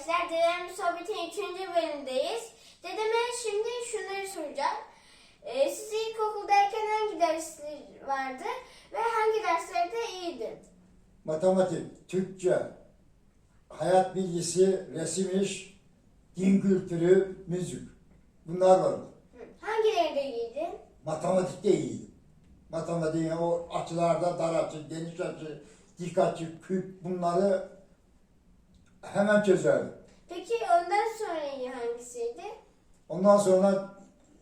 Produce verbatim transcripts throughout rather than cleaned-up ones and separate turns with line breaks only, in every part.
arkadaşlar, Dedemle Sohbet'in üçüncü bölümündeyiz. Dedeme şimdi şunları soracağım. Ee, siz ilkokuldayken hangi dersler vardı ve hangi derslerde iyiydin?
Matematik, Türkçe, hayat bilgisi, resim iş, din kültürü, müzik. Bunlar vardı.
Hı. Hangilerinde iyiydin?
Matematikte iyiydim. Matematiğin o açılarda dar açı, geniş açı, dik açı, küp bunları hemen çözerdim.
Peki ondan sonra iyi hangisiydi?
Ondan sonra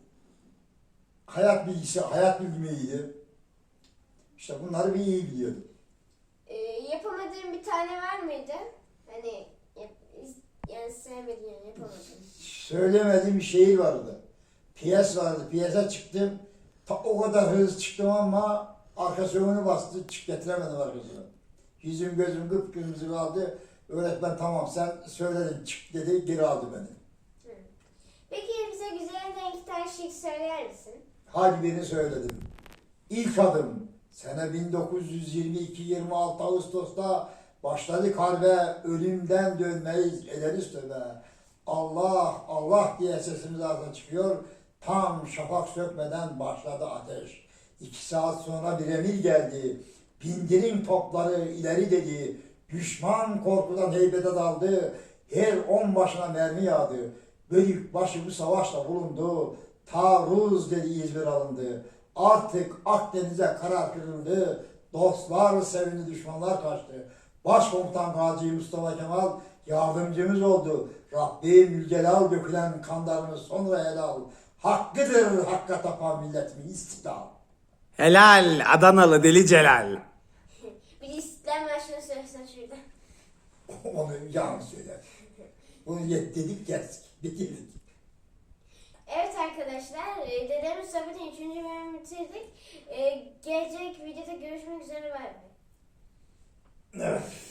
hayat bilgisi, hayat bilgimi iyiydi. İşte bunları bir iyi biliyordum.
Ee, yapamadığın bir tane var mıydı? Hani yap, yani sevmediğin, yapamadığın.
Söylemediğim bir şehir vardı. Piyes vardı. Piyese çıktım. Ta o kadar hızlı çıktım ama arkası önü bastı. Çık getiremedim arkasını. Yüzüm gözüm kıpkırmızı kaldı. Öğretmen tamam sen söyledin çık dedi. Geri aldı beni.
Hı. Peki bize güzelinden iki tane şiir söyler misin?
Hadi birini söyledim. İlk adım sene bin dokuz yüz yirmi iki yirmi altı Ağustos'ta başladık harbe, ölümden dönmeyiz ederiz tövbe. Allah Allah diye sesimiz ağzına çıkıyor. Tam şafak sökmeden başladı ateş. İki saat sonra bir emir geldi. Bindirin topları ileri dedi. Düşman korkudan heybete daldı. Her on başına mermi yağdı. Bölük başı bu savaşta bulundu. Taarruz dedi İzmir alındı. Artık Akdeniz'e karar kırıldı. Dostlar sevindi, düşmanlar kaçtı. Başkomutan Gazi Mustafa Kemal yardımcımız oldu. Rabbim Mülcelal dökülen kanlarını sonra helal. Hakkıdır hakka tapan milletimin istiklal.
Helal Adanalı Deli Celal.
Bir İstiklal Marşı'nı söylesen şurada.
Onu yan söyler. Bunu yet dedik geldik. Bitirdik.
Evet arkadaşlar, e, Dedemle Sohbet'in üçüncü bölümünü bitirdik. E, gelecek videoda görüşmek üzere, bay bay.
Evet.